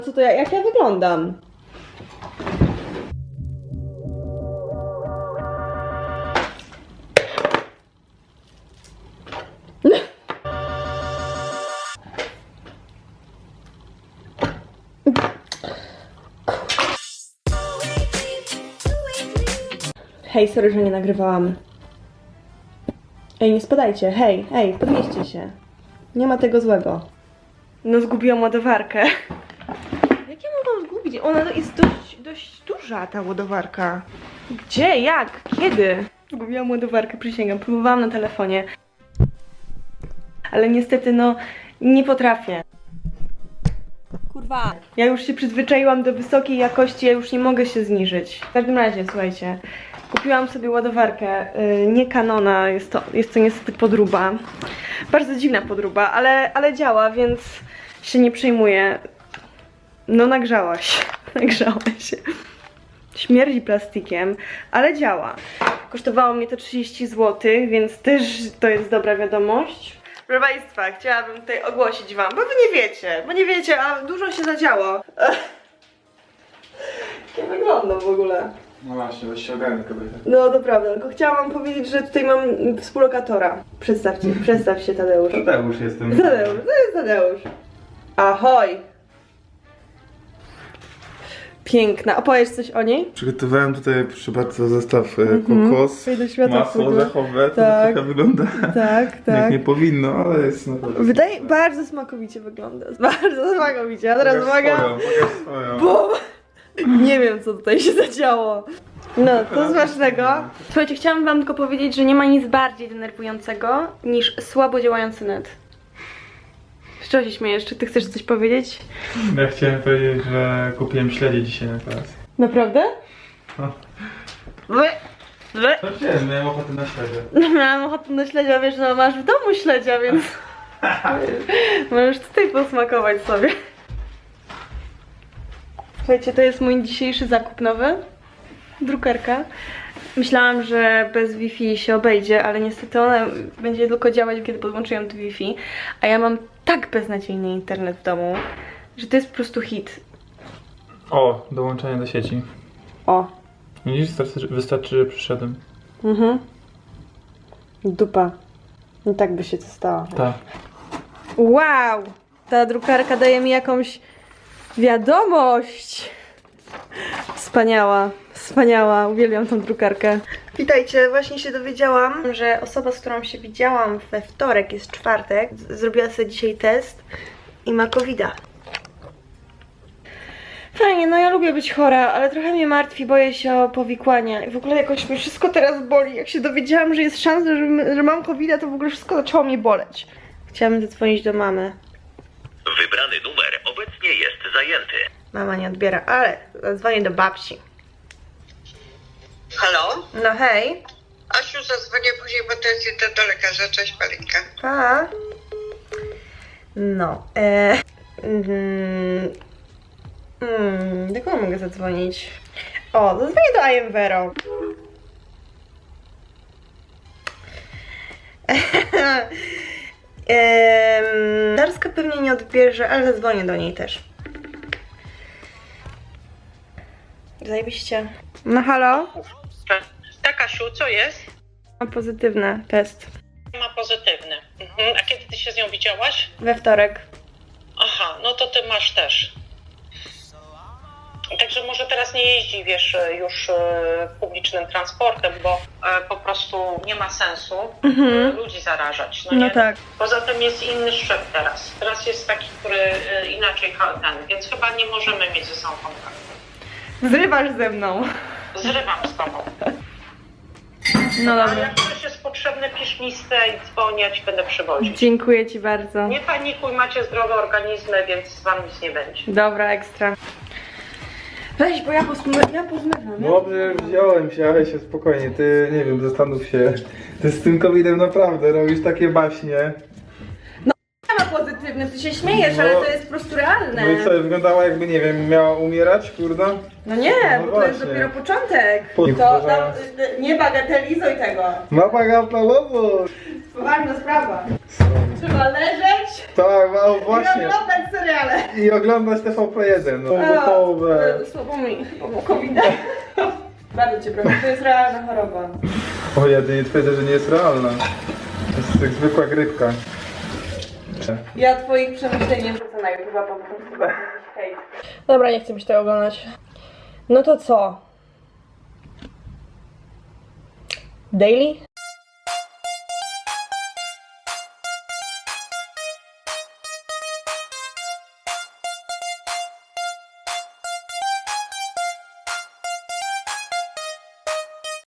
Co to ja, jak ja wyglądam? Hej, sorry, że nie nagrywałam. Ej, nie spadajcie, hej, podnieście się. Nie ma tego złego. No, zgubiłam ładowarkę. Jak ja mogłam zgubić? Ona jest dość duża, ta ładowarka. Gdzie? Jak? Kiedy? Zgubiłam ładowarkę, przysięgam. Próbowałam na telefonie. Ale niestety, no, nie potrafię. Kurwa. Ja już się przyzwyczaiłam do wysokiej jakości, ja już nie mogę się zniżyć. W każdym razie, słuchajcie. Kupiłam sobie ładowarkę, nie Canona, jest to niestety podróba. Bardzo dziwna podróba, ale działa, więc się nie przejmuję. No nagrzałaś, nagrzałaś. Śmierdzi plastikiem, ale działa. Kosztowało mnie to 30 zł, więc też to jest dobra wiadomość. Proszę Państwa, chciałabym tutaj ogłosić Wam, bo Wy nie wiecie, a dużo się zadziało. Nie wyglądam w ogóle. No właśnie, weź się ogarnij, kobieta. No to prawda, tylko chciałam Wam powiedzieć, że tutaj mam współlokatora. Przedstaw się Tadeusz. Tadeusz jestem. Tadeusz, to jest Tadeusz. Ahoj! Piękna. Opowiesz coś o niej? Przygotowałem tutaj, proszę bardzo, zestaw kokos, Wejdę do świata masło wpływu. orzechowe, to Tak. trochę wygląda Tak, tak. jak nie powinno, ale jest naprawdę Wydaje, super. bardzo smakowicie wygląda. Bardzo smakowicie. A teraz Pokaż uwaga. pokaż swoją. Bum! Nie wiem, co tutaj się zadziało. No, to z ważnego. Słuchajcie, chciałam Wam tylko powiedzieć, że nie ma nic bardziej denerwującego niż słabo działający net. Z czego się śmiejesz? Czy Ty chcesz coś powiedzieć? Ja chciałem powiedzieć, że kupiłem śledzie dzisiaj na kolację. Naprawdę? No. Wy. No wiem, miałem ochotę na śledzie. Miałam ochotę na śledzia, wiesz, no masz w domu śledzia, więc możesz tutaj posmakować sobie. Słuchajcie, to jest mój dzisiejszy zakup nowy. Drukarka. Myślałam, że bez Wi-Fi się obejdzie, ale niestety ona będzie tylko działać, kiedy podłączę ją do Wi-Fi. A ja mam tak beznadziejny internet w domu, że to jest po prostu hit. O, dołączenie do sieci. O. Widzisz, wystarczy, że przyszedłem. Dupa. I tak by się to stało. Tak. Wow! Ta drukarka daje mi jakąś wiadomość. Wspaniała, wspaniała. Uwielbiam tą drukarkę. Witajcie, właśnie się dowiedziałam, że osoba, z którą się widziałam we wtorek, jest czwartek, zrobiła sobie dzisiaj test i ma COVID-a. Fajnie, no ja lubię być chora, ale trochę mnie martwi, boję się o powikłania. I w ogóle jakoś mnie wszystko teraz boli. Jak się dowiedziałam, że jest szansa, że mam COVID-a, to w ogóle wszystko zaczęło mnie boleć. Chciałam zadzwonić do mamy. Wybrany numer obecnie jest zajęty. Mama nie odbiera, ale zadzwonię do babci. Halo? No hej. Asiu, zadzwonię później, bo to jest idę do lekarza. Cześć, Palinka. Pa. No. Do kogo mogę zadzwonić? O, zadzwonię do Ayemvero. Darska pewnie nie odbierze, ale zadzwonię do niej też. Zajebiście. No halo? Tak, Asiu, co jest? Mam pozytywny test. Ma pozytywny. A kiedy ty się z nią widziałaś? We wtorek. Aha, no to ty masz też. Także może teraz nie jeździ, wiesz, już publicznym transportem, bo po prostu nie ma sensu ludzi zarażać. No, No nie? tak. Poza tym jest inny szczep teraz. Teraz jest taki, który inaczej ten, więc chyba nie możemy mieć ze sobą kontaktu. Zrywasz ze mną. Zrywam z tobą. No A dobra. jak ktoś jest potrzebny, pisz listę i dzwonię, ja ci będę przywozić. Dziękuję Ci bardzo. Nie panikuj, macie zdrowe organizmy, więc wam nic nie będzie. Dobra, ekstra. Weź, bo ja pozmywam. Dobrze, wziąłem się, ale się spokojnie, ty, nie wiem, zastanów się. Ty z tym COVID-em naprawdę robisz takie baśnie. Ja ma pozytywny, ty się śmiejesz, No. ale to jest po prostu realne. No i co, wyglądała jakby, nie wiem, miała umierać, kurda? No nie, No bo to jest właśnie. dopiero początek. Po- To tam, nie bagatelizuj tego. Ma bagatelowo! Poważna sprawa. Trzeba leżeć Tak, no i właśnie. oglądać seriale. I oglądać TVP1, no gotowe. Słabo mi, bo COVID. Bardzo cię proszę, to jest realna choroba. O, ja nie twierdzę, że nie jest realna. To jest jak zwykła grypka. Ja twoich przemyśleń nie wrzucę na YouTube, po prostu hejt. Dobra, nie chcę mi się tego oglądać. No to co? Daily?